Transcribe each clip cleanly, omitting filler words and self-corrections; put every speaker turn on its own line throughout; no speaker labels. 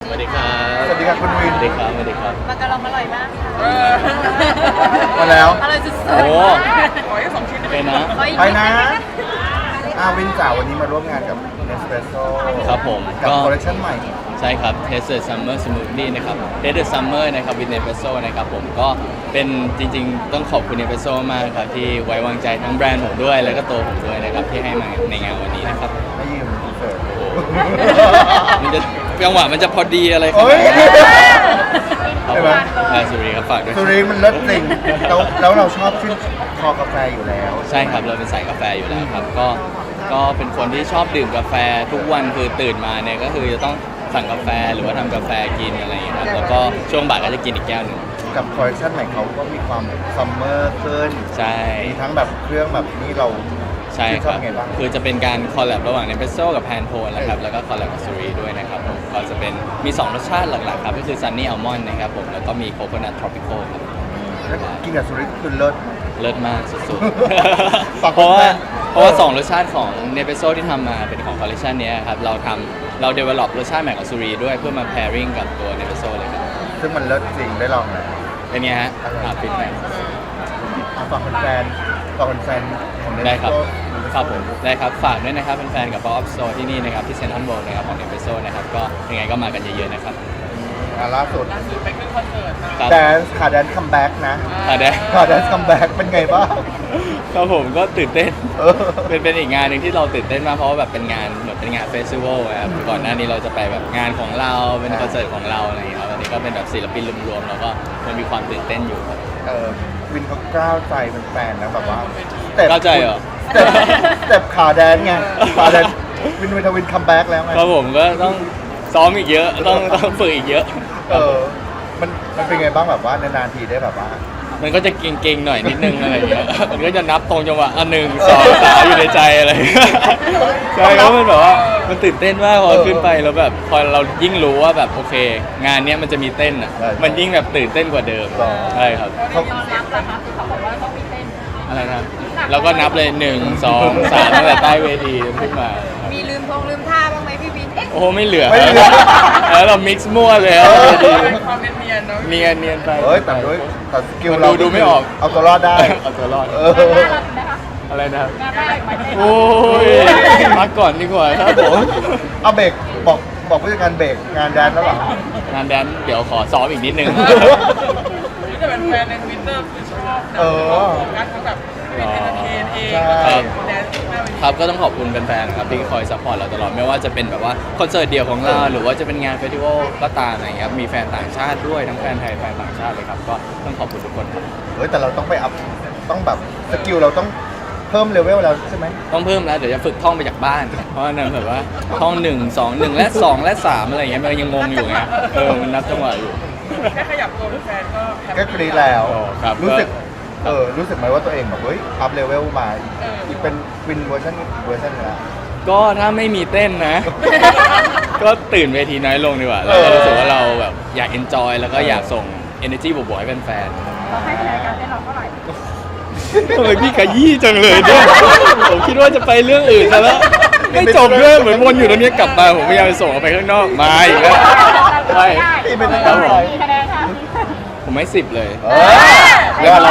วัสดีครับ
สวัสดีครับคุณวิน
สวัสดีครับสวัสดีครับ
มากระลองอร่อยมากค่ะ
มาแล้ว
อร่อยสุด
โอ้
ๆ
ขอแค่2 ชิ้นได้ไหม
เป็นนะ
ขออีก
ไป
ด
นะ
ด้หม
วินจ๋าวันนี้มาร่วมงานกับ Nespresso
ครับผม
กับ
ก็
คอลเลคชั่นใหม่
ใช่ครับ Taste Summer Smoothie นะครับ Taste Summer นะครับ with Nespresso นะครับผมก็เป็นจริงๆ ต้องขอบคุณ Nespresso มากครับที่ไว้วางใจทั้งแบรนด์ผมด้วย แล้วก็ตัวผมด้วยนะครับที่ให้มาในงานวันนี้นะครับ
ไม่ยืมเสิร์ฟ
โอ้โหมันจะจังหวะมันจะพอดีอะไรขนา
โอ้
ด
ย
นั้นครับ
ใช่
ผ
ไหม
มสุรีครับฝากด้วย
สุรินทร์มันเลิศจริงแล้วเราชอบชื่นคอกาแฟอยู่แล้ว
ใช่ครับเราเป็นสายกาแฟอยู่แล้วครับก็เป็นคนที่ชอบดื่มกาแฟทุกวันคือตื่นมาเนี่ยก็คือจะต้องสั่งกาแฟหรือว่าทำกาแฟกินอะไรอย่างเงี้ยครับแล้วก็ช่วงบ่ายก็จะกินอีกแก้วหนึ่ง
กับคอลเลคชั่นใหม่เขาก็มีความซัมเมอร์ขึ้น
ใช่
มีทั้งแบบเครื่องแบบนี้เรา
ใช่ค
ช
รั
อบบ ไงบ้าง
คือจะเป็นการคอลแลบระหว่างเนเปโซกับแพนโทนนะครับแล้วก็คอลแลบกับซูรีด้วยนะครับผมก็จะเป็นมี 2 รสชาติหลักๆครับก็คือซันนี่อัลมอนด์นะครับผมแล้วก็มีโคโคนัททรอปิคอลครับ
แล้วกินกับสุรินทร์คือเลิศ
เลิศมากสุด
ฝาก
ๆ เพราะว่า
แฟน
2 รสชาติของเนเปโซที่ทำมาเป็นของคอลเลคชันนี้ยครับเราเดเวล็อปรสชาติใหม่ของซูรีด้วยเพื่อมา pairing กับตัวเนเปโซเลยครับ
ซึ่งมันเลิศจริงได้ลองแล้ว
เป็นไงฮะฟีดแบ็ก
เอาฝากแฟนๆฝากแฟนๆของ
ได้ครับ
Nespresso
ครับผมได้ครับฝากด้วยนะครับเป็นแฟนกับ Pop Up Store ที่นี่นะครับที่เซ็นทรัลเวิลด์นะครับของเนเปโซนะครับก็ยังไงก็มากันเยอะๆนะครับ
ล่าสุด
ล่าสุดไปขึ้นคอนเสิร์ตมา
ครับ
แดนซ์ค่ะแดนซ์คัมแบ็กนะ
ได้
ค่ะแดนซ์คัมแบ็กเป็นไงบ้าง
ครับผมก็ตื่นเต้น
เออ
เป็นอีกงานหนึ่งที่เราตื่นเต้นมากเพราะว่าแบบเป็นงานเหมือนเป็นงานเฟสติวัลครับก่อนหน้านี้เราจะไปแบบงานของเราเป็นคอนเสิร์ตของเราอะไรอย่างเงี้ยครับอันนี้ก็เป็นแบบศิลปินรวมๆแล้วก็มันมีความตื่นเต้นอยู่ครับ
วินเขากล้าวใจเป็นแฟนนะแบบว่า
ก้าวใจเหรอ
สเต็ปขาแดนไงขาแดนวินคัมแบ็กแล้วไง
ครับผมก็ต้องซ้อมอีกเยอะต้องฝึกอีกเยอะ
เออมันเป็นไงบ้างแบบว่านานๆทีได้แบบว่า
มันก็จะเก่งๆหน่อยนิดนึงอะไรอย่างเงี้ยมันก็จะนับตรงจังหวะ1 2 3อยู่ในใจอะไรใช่เพราะมันแบบว่ามันตื่นเต้นมากพอขึ้นไปแล้วแบบพอเรายิ่งรู้ว่าแบบโอเค งานเนี้ยมันจะมีเต้นอ่ะมันยิ่งแบบตื่นเต้นกว่าเดิมใช่ครับ
เขา
ตอนรับนะคะคือเขาบอกว่าต้องมีเต้น
อะไรนะแล้วก็นับเลย1 2 3ตั้งแต่ใต้เวทีขึ้นมา
มีลืมท่าบ้างไหมพี่วิน
โอ้โหไม่เหลือ
ไม่เหลือ
แล้วเรามิกซ์มั่วเลยครับเวที
ความเนียนๆเนาะ
เนียนไป
เอ้ยแต่ด้วยแต่สกิล
มัน
เรา
ดูไม่ออก
เอาตัวรอดได้
เอาตัวรอด
เออ
อะไรนะครับ
งานได้ไหม
โอ้ยพักก่อนดีกว่าครับผม
เอาเบรกบอกผู้จัดการเบรกงานแดนแล้วเหรอ
งานแดนเดี๋ยวขอซ้อมอีกนิดนึง
นี่จะเป็นแฟนในทวิตเตอร์คือชอบนะ
เออ
โฟกัสเขาแบบเป็นเอนเตอร์เทนเอง
ใช่
แดนซ์หน้าเวที
ครับก็ต้องขอบคุณแฟนๆครับที่คอยซัพพอร์ตเราตลอดไม่ว่าจะเป็นแบบว่าคอนเสิร์ตเดี่ยวของเราหรือว่าจะเป็นงานเฟสติวัลก็ตามอะไรอย่างเงี้ยครับมีแฟนต่างชาติด้วยทั้งแฟนไทยแฟนต่างชาติเลยครับก็ต้องขอบคุณทุกคนครับ
เฮ้ยแต่เราต้องไปอัพต้องแบบสกิลเราต้องเพิ่มเลเวลแล้วใช่ไหม
ต้องเพิ่มแล้วเดี๋ยวจะฝึกท่องไปจากบ้าน เพราะว่านั่นแบบว่าท่อง1 2 1และ2และ3อะไรอย่างเงี้ยมันยังงงอยู่ไงมันนับจังหวะอยู่
แค่ขยับตัวเป็นแฟนก็แฮป
ก็
ปี้
กรีดแล้ว
โอ้ครับ
รู้สึกรู้สึกไหมว่าตัวเองแบบเฮ้ยอัพเลเวลมาอีกเป็นวินเวอร์ชันนึงแล้ว
ก็ถ้าไม่มีเต้นนะ ก็ตื่นเวทีน้อยลงดีกว่าแล้วก็รู้สึกว่าเราแบบอยากเอนจอยแล้วก็อยากส่ง energy บวกๆให้แฟนๆ
เราให้คะแนนการเต้นเราเท่าไหร่
ทำไมพี่ขยี้จังเลยเนี่ย ผมคิดว่าจะไปเรื่องอื่นซะแล้ว ไม่จบเรื่องเหมือนวนอยู่ตรงนี้กลับมาผมพยายามจะส่งออกไปข้างนอกมาอีกแล้วไม่
พี่เป็น
ครับผม
กี่คะแนนคะ
ผมให้10 เลย
เออเรื่องอะไร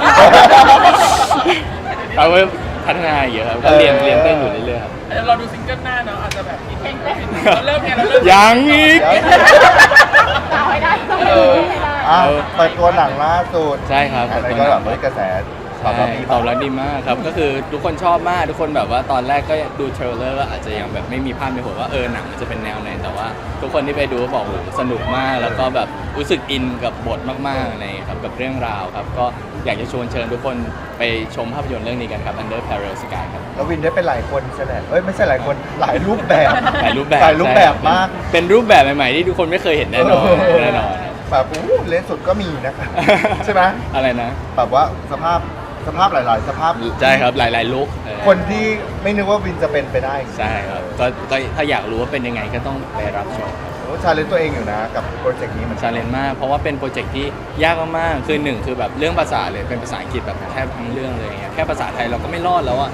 เอาไว้พัฒนาอีกเยอะครับก็เรียนเต้นอยู่เรื่อยๆครับ
เดี๋ยวเราดูซิงเกิลหน้าเนาะอาจจะแบบอีกเราเริ่มเนี่ยเราเริ่ม
ยังอีก
เอาให้ได้ต้อง
เออ
ให้ได้
อ่ะเปิดตัวหนังล่าสุด
ใช่ครับ
อะไรก็แบบเฮ้ยกระแสตอบ
ใช่
รับดี
ตอบรับดีมากครับก็คือทุกคนชอบมากทุกคนแบบว่าตอนแรกก็ดูเทรลเลอร์ก็อาจจะยังแบบไม่มีภาพในหัวว่าหนังมันจะเป็นแนวไหนแต่ว่า ทุกคนที่ไปดูก็บอกโอ้โหสนุกมากแล้วก็แบบรู้สึกอินกับบทมากๆอะไรอย่างเงี้ยครับกับเรื่องราวครับก็อยากจะชวนเชิญทุกคนไปชมภาพยนตร์เรื่องนี้กันครับ Under Parallel Sky ครับ
แล้ววินได้เป็นหลายคนใช่ไหมเอ้ยไม่ใช่หลายคนหลายรูปแบบ
หลายรูปแบบ
หลายรูปแบบมาก
เป็นรูปแบบใหม่ๆที่ทุกคนไม่เคยเห็นแน่นอนแน่นอน
แบบอู้เลนสุดก็มีนะครับใช่ไหม
อะไรนะ
แบบว่าสภาพหลายๆ สภาพ
ใช่ครับหลายๆลุค
คนที่ไม่นึกว่าวินจะเป็นไปได้
ใช่ครับก็ถ้าอยากรู้ว่าเป็นยังไงก็ต้องไปรับชม
โอ้ชาเลนจ์ตัวเองอยู่นะกับโปรเจกต์นี้มัน
ชาเลนจ์มากเพราะว่าเป็นโปรเจกต์ที่ยากมากๆคือหนึ่งคือแบบเรื่องภาษาเลยเป็นภาษาอังกฤษแบบแทบทั้งเรื่องเลยอย่างเงี้ยแค่ภาษาไทยเราก็ไม่รอดแล้วอะ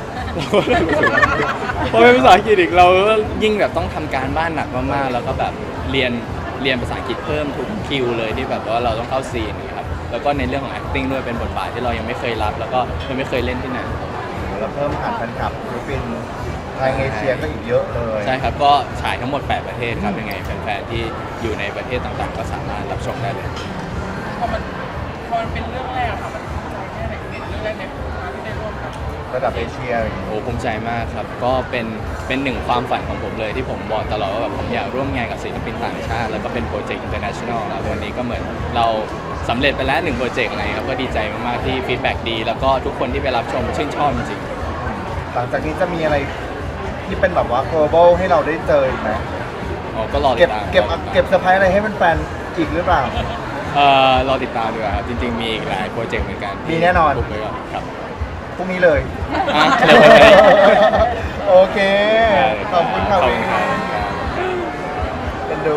พอเป็นภาษาอังกฤษอีกเราก็ยิ่งแบบต้องทำการบ้านหนักมากๆแล้วก็แบบเรียนเรียนภาษาอังกฤษเพิ่มทุกคิวเลยที่แบบว่าเราต้องเข้าซีนนะครับแล้วก็ในเรื่องของ acting ด้วยเป็นบทบาทที่เรายังไม่เคยรับ แล้วก็ยังไม่เคยเล่นที่ไหน
แล้วเพิ่มฐานแฟนคลับฟิลิปปินส์ทางเอเชียก็อีกเยอะเลย
ใช่ครับก็ฉายทั้งหมด 8 ประเทศครับยังไงแฟนๆที่อยู่ในประเทศต่างๆ ก็สามารถรับชมได้เลย
พอมันเป็นเรื่องแรกอะค่ะมันใจแค่ไหนเรื่องแรกในการที่ได้ร่วมกับ
ระดับเอเชียอย่างนี้
โอ้ภูมิใจมากครับ ก็เป็นหนึ่งความฝันของผมเลยที่ผมบอกตลอดว่าแบบผมอยากร่วมงานกับศิลปินต่างชาติ แล้วก็เป็นโปรเจกต์ international แล้ววันนี้ก็เหมือนเราสำเร็จไปแล้ว1โปรเจกต์อะไรครับก็ดีใจมากๆที่ฟีดแบ็กดี แล้วก็ทุกคนที่ไปรับชมชื่นชอบจริง
หลังจากนี้จะมีอะไรที่เป็นแบบว่า global ให้เราได้เจออีกไหม
ๆอ๋อก็รอติ
เก็บ
ดตาม
เก็บเซอร์ไพรส์อะไรให้แฟนๆอีกหรือเปล่า
รอติดตามดีกว่าครับจริงๆมีอีกหลายโปรเจกต์เหมือนกัน
มีแน่นอน
บุกไปก่อนครับ
พรุ่งนี้เลย
อ่ะเร็วไปไหม
โอเค ขอบคุณค่ะ
ขอบ
วิ
คุณ
น
ครับ
เป็นดู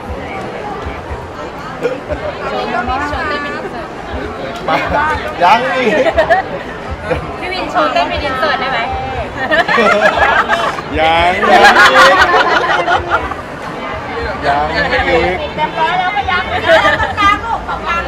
วันนี้ก็มีโชว์เต้นเป็นอินเสิร์ต
มายังอีก
พี่วินโชว์เต้นเป็นอินเสิร์ตได้ไหม
ยัง
ยังอีก
เรียบร้อยแล้วก็ยังไม่ได้ตรงกลางลูกตรงกลาง